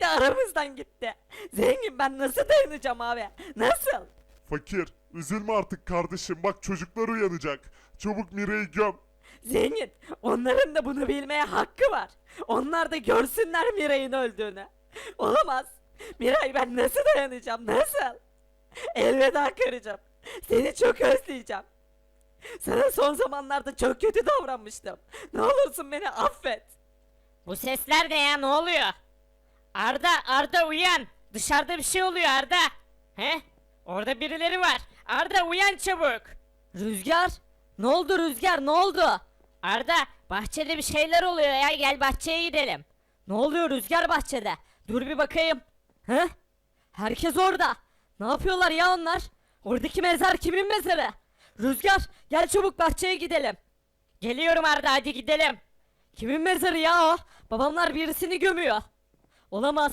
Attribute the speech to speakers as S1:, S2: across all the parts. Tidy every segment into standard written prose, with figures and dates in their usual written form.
S1: de aramızdan gitti. Zengin ben nasıl dayanacağım abi? Nasıl?
S2: Fakir, üzülme artık kardeşim. Bak çocuklar uyanacak. Çabuk Mira'yı göm.
S1: Zengin onların da bunu bilmeye hakkı var. Onlar da görsünler Miray'ın öldüğünü. Olamaz. Miray ben nasıl dayanacağım nasıl? Elveda karıcığım. Seni çok özleyeceğim. Sana son zamanlarda çok kötü davranmıştım. Ne olursun beni affet.
S3: Bu sesler ne ya, ne oluyor? Arda uyan. Dışarıda bir şey oluyor Arda. He? Orada birileri var. Arda uyan çabuk.
S1: Rüzgar? Ne oldu Rüzgar ne oldu?
S3: Arda bahçede bir şeyler oluyor ya, gel bahçeye gidelim.
S1: Ne oluyor Rüzgar bahçede? Dur bir bakayım. He? Herkes orada. Ne yapıyorlar ya onlar? Oradaki mezar kimin mezarı? Rüzgar gel çabuk bahçeye gidelim.
S3: Geliyorum Arda, hadi gidelim.
S1: Kimin mezarı ya o? Babamlar birisini gömüyor. Olamaz.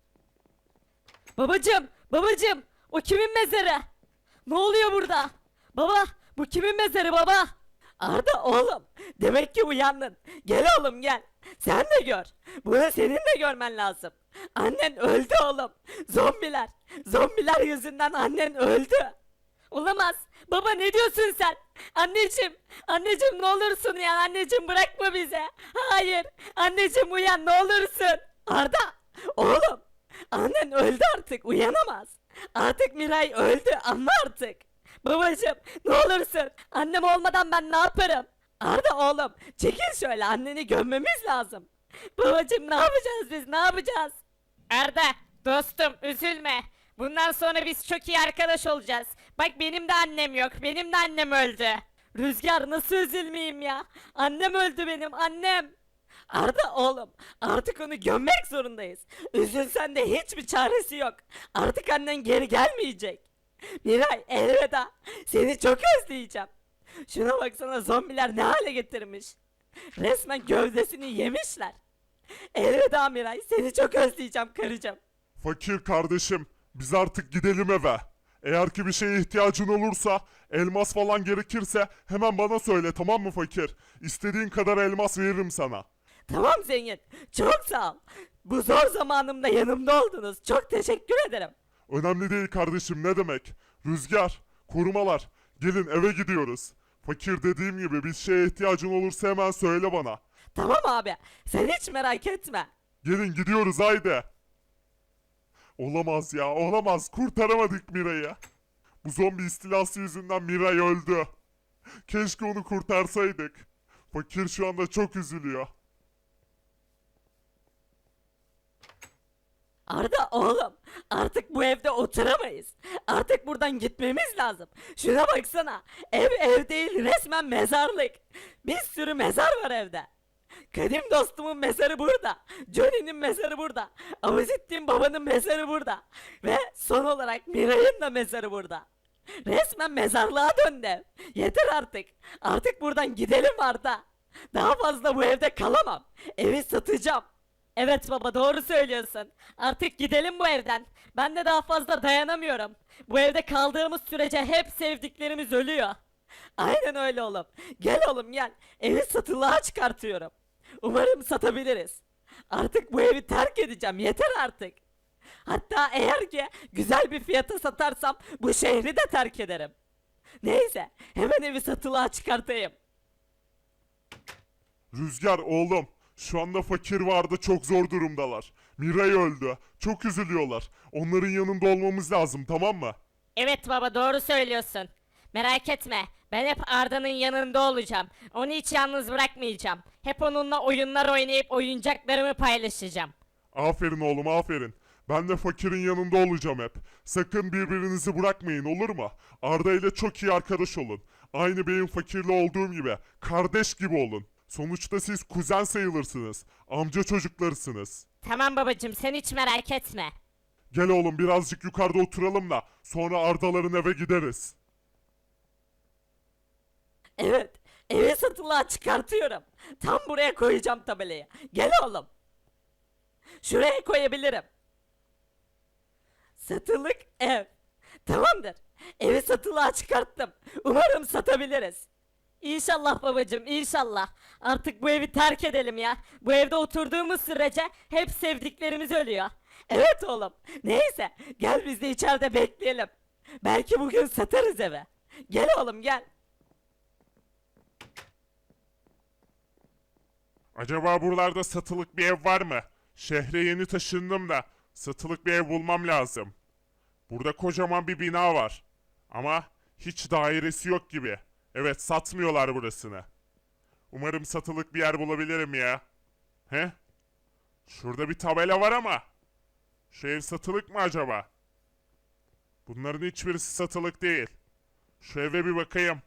S1: Babacım, o kimin mezarı? Ne oluyor burada? Baba, bu kimin mezarı baba? Arda oğlum, demek ki uyandın. Gel oğlum gel. Sen de gör. Bunu senin de görmen lazım. Annen öldü oğlum. Zombiler yüzünden annen öldü. Olamaz. Baba ne diyorsun sen? Anneciğim ne olursun ya anneciğim bırakma bize. Hayır. Anneciğim uyan ne olursun. Arda, oğlum. Annen öldü artık uyanamaz. Artık Miray öldü anla artık. Babacığım ne olursun. Annem olmadan ben ne yaparım? Arda oğlum çekil şöyle anneni gömmemiz lazım. Babacığım ne yapacağız biz ne yapacağız?
S3: Arda dostum üzülme. Bundan sonra biz çok iyi arkadaş olacağız. Bak benim de annem yok. Benim de annem öldü.
S1: Rüzgar nasıl üzülmeyeyim ya? Annem öldü benim annem. Arda oğlum artık onu gömmek zorundayız. Üzülsen de hiçbir çaresi yok. Artık annen geri gelmeyecek. Miray elveda. Seni çok özleyeceğim. Şuna baksana zombiler ne hale getirmiş. Resmen gövdesini yemişler. Elveda Miray seni çok özleyeceğim karıcığım.
S2: Fakir kardeşim, biz artık gidelim eve. Eğer ki bir şeye ihtiyacın olursa, elmas falan gerekirse hemen bana söyle, tamam mı fakir? İstediğin kadar elmas veririm sana.
S1: Tamam zengin. Çok sağ ol. Bu zor zamanımda yanımda oldunuz. Çok teşekkür ederim.
S2: Önemli değil kardeşim, ne demek? Rüzgar, korumalar, gelin eve gidiyoruz. Fakir dediğim gibi bir şeye ihtiyacın olursa hemen söyle bana.
S1: Tamam abi. Sen hiç merak etme.
S2: Gelin gidiyoruz haydi. Olamaz ya, olamaz. Kurtaramadık Mira'yı. Bu zombi istilası yüzünden Miray öldü. Keşke onu kurtarsaydık. Fakir şu anda çok üzülüyor.
S1: Arda oğlum artık bu evde oturamayız. Artık buradan gitmemiz lazım. Şuna baksana. Ev değil resmen mezarlık. Bir sürü mezar var evde. Kadim dostumun mezarı burada. Johnny'nin mezarı burada. Avuzittin babanın mezarı burada. Ve son olarak Miray'ın da mezarı burada. Resmen mezarlığa döndü ev. Yeter artık. Artık buradan gidelim Arda. Daha fazla bu evde kalamam. Evi satacağım. Evet baba doğru söylüyorsun. Artık gidelim bu evden. Ben de daha fazla dayanamıyorum. Bu evde kaldığımız sürece hep sevdiklerimiz ölüyor. Aynen öyle oğlum. Gel oğlum gel. Evi satılığa çıkartıyorum. Umarım satabiliriz. Artık bu evi terk edeceğim. Yeter artık. Hatta eğer ki güzel bir fiyata satarsam bu şehri de terk ederim. Neyse hemen evi satılığa çıkartayım.
S2: Rüzgar oğlum, şu anda fakir vardı, çok zor durumdalar. Miray öldü. Çok üzülüyorlar. Onların yanında olmamız lazım, tamam mı?
S3: Evet baba doğru söylüyorsun. Merak etme. Ben hep Arda'nın yanında olacağım. Onu hiç yalnız bırakmayacağım. Hep onunla oyunlar oynayıp oyuncaklarımı paylaşacağım.
S2: Aferin oğlum, aferin. Ben de fakirin yanında olacağım hep. Sakın birbirinizi bırakmayın, olur mu? Arda ile çok iyi arkadaş olun. Aynı benim fakirle olduğum gibi. Kardeş gibi olun. Sonuçta siz kuzen sayılırsınız. Amca çocuklarısınız.
S3: Tamam babacım sen hiç merak etme.
S2: Gel oğlum, birazcık yukarıda oturalım da sonra Ardaların eve gideriz.
S1: Evet, evi satılığa çıkartıyorum. Tam buraya koyacağım tabelayı. Gel oğlum. Şuraya koyabilirim. Satılık ev. Tamamdır. Evi satılığa çıkarttım. Umarım satabiliriz. İnşallah babacığım, inşallah. Artık bu evi terk edelim ya. Bu evde oturduğumuz sürece hep sevdiklerimiz ölüyor. Evet oğlum. Neyse gel biz de içeride bekleyelim. Belki bugün satarız eve. Gel oğlum gel.
S2: Acaba buralarda satılık bir ev var mı? Şehre yeni taşındım da satılık bir ev bulmam lazım. Burada kocaman bir bina var. Ama hiç dairesi yok gibi. Evet, satmıyorlar burasını. Umarım satılık bir yer bulabilirim ya. He? Şurada bir tabela var ama. Şu ev satılık mı acaba? Bunların hiçbirisi satılık değil. Şu eve bir bakayım.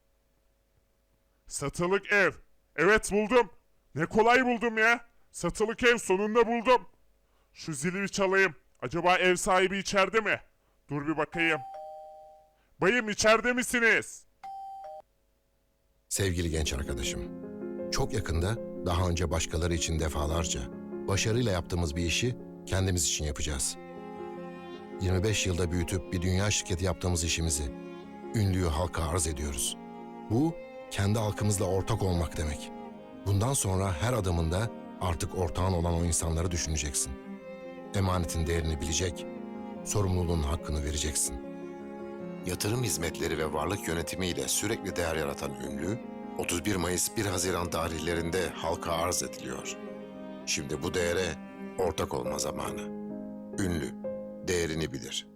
S2: Satılık ev. Evet, buldum. Ne kolay buldum ya. Satılık ev, sonunda buldum. Şu zili bir çalayım. Acaba ev sahibi içeride mi? Dur bir bakayım. Bayım, içeride misiniz?
S4: Sevgili genç arkadaşım, çok yakında daha önce başkaları için defalarca başarıyla yaptığımız bir işi kendimiz için yapacağız. 25 yılda büyütüp bir dünya şirketi yaptığımız işimizi ünlüyü halka arz ediyoruz. Bu kendi halkımızla ortak olmak demek. Bundan sonra her adımında artık ortağın olan o insanları düşüneceksin. Emanetin değerini bilecek, sorumluluğun hakkını vereceksin. Yatırım hizmetleri ve varlık yönetimiyle sürekli değer yaratan ünlü, 31 Mayıs 1 Haziran tarihlerinde halka arz ediliyor. Şimdi bu değere ortak olma zamanı. Ünlü, değerini bilir.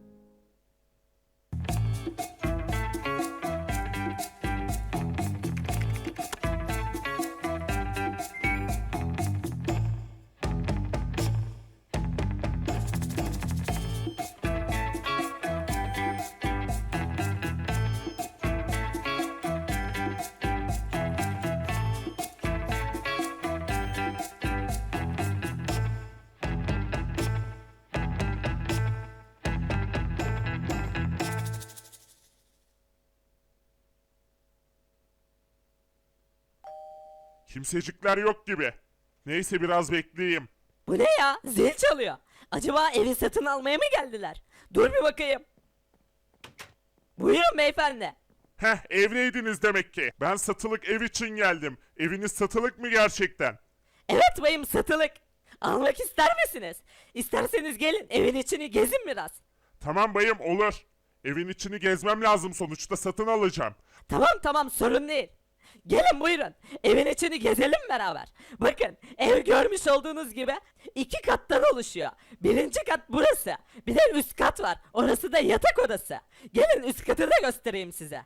S2: Kimsecikler yok gibi. Neyse, biraz bekleyeyim.
S1: Bu ne ya? Zil çalıyor. Acaba evi satın almaya mı geldiler? Dur bir bakayım. Buyurun beyefendi.
S2: Heh, evdeydiniz demek ki. Ben satılık ev için geldim. Eviniz satılık mı gerçekten?
S1: Evet bayım satılık. Almak ister misiniz? İsterseniz gelin evin içini gezin biraz.
S2: Tamam bayım, olur. Evin içini gezmem lazım, sonuçta satın alacağım.
S1: Tamam sorun değil. Gelin buyurun. Evin içini gezelim beraber. Bakın ev görmüş olduğunuz gibi 2 kattan oluşuyor. Birinci kat burası. Bir de üst kat var. Orası da yatak odası. Gelin üst katı da göstereyim size.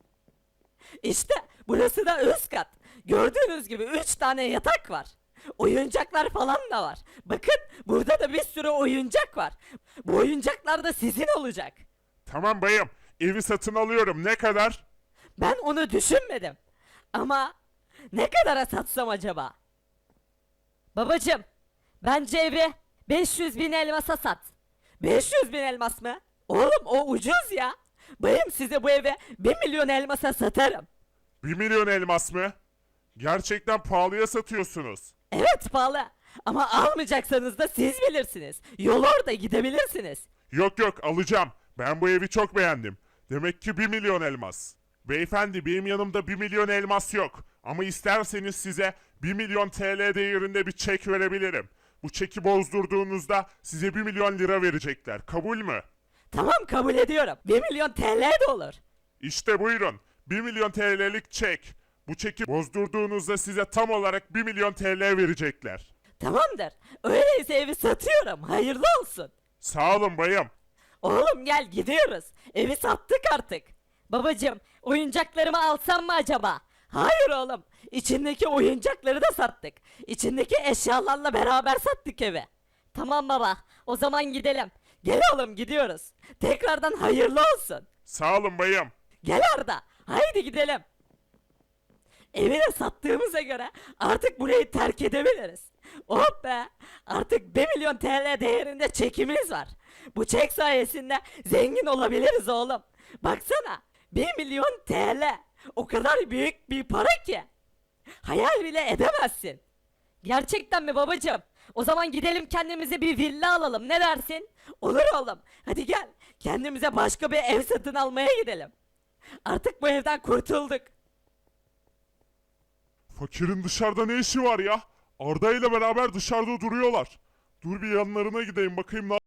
S1: İşte burası da üst kat. Gördüğünüz gibi 3 tane yatak var. Oyuncaklar falan da var. Bakın burada da bir sürü oyuncak var. Bu oyuncaklar da sizin olacak.
S2: Tamam bayım, evi satın alıyorum. Ne kadar?
S1: Ben onu düşünmedim. Ama ne kadara satsam acaba? Babacım, bence evi 500 bin elmasa sat. 500 bin elmas mı? Oğlum o ucuz ya. Bayım size bu evi 1 milyon elmasa satarım.
S2: 1 milyon elmas mı? Gerçekten pahalıya satıyorsunuz.
S1: Evet pahalı. Ama almayacaksanız da siz bilirsiniz. Yol orada gidebilirsiniz.
S2: Yok, alacağım. Ben bu evi çok beğendim. Demek ki 1 milyon elmas. Beyefendi, benim yanımda 1 milyon elmas yok. Ama isterseniz size 1 milyon TL değerinde bir çek verebilirim. Bu çeki bozdurduğunuzda size 1 milyon lira verecekler. Kabul mü?
S1: Tamam kabul ediyorum. 1 milyon TL de olur.
S2: İşte buyurun. 1 milyon TL'lik çek. Bu çeki bozdurduğunuzda size tam olarak 1 milyon TL verecekler.
S1: Tamamdır. Öyleyse evi satıyorum. Hayırlı olsun.
S2: Sağ olun bayım.
S1: Oğlum gel gidiyoruz. Evi sattık artık. Babacım oyuncaklarımı alsam mı acaba? Hayır oğlum. İçindeki oyuncakları da sattık. İçindeki eşyalarla beraber sattık evi. Tamam baba. O zaman gidelim. Gel oğlum gidiyoruz. Tekrardan hayırlı olsun.
S2: Sağ olun bayım.
S1: Gel Arda. Haydi gidelim. Evi de sattığımıza göre artık burayı terk edebiliriz. Oh be! Artık 1 milyon TL değerinde çekimiz var. Bu çek sayesinde zengin olabiliriz oğlum. Baksana 1 milyon TL. O kadar büyük bir para ki. Hayal bile edemezsin. Gerçekten mi babacığım? O zaman gidelim kendimize bir villa alalım ne dersin? Olur oğlum. Hadi gel. Kendimize başka bir ev satın almaya gidelim. Artık bu evden kurtulduk.
S2: Fakirin dışarıda ne işi var ya? Arda ile beraber dışarıda duruyorlar. Dur bir yanlarına gideyim bakayım ne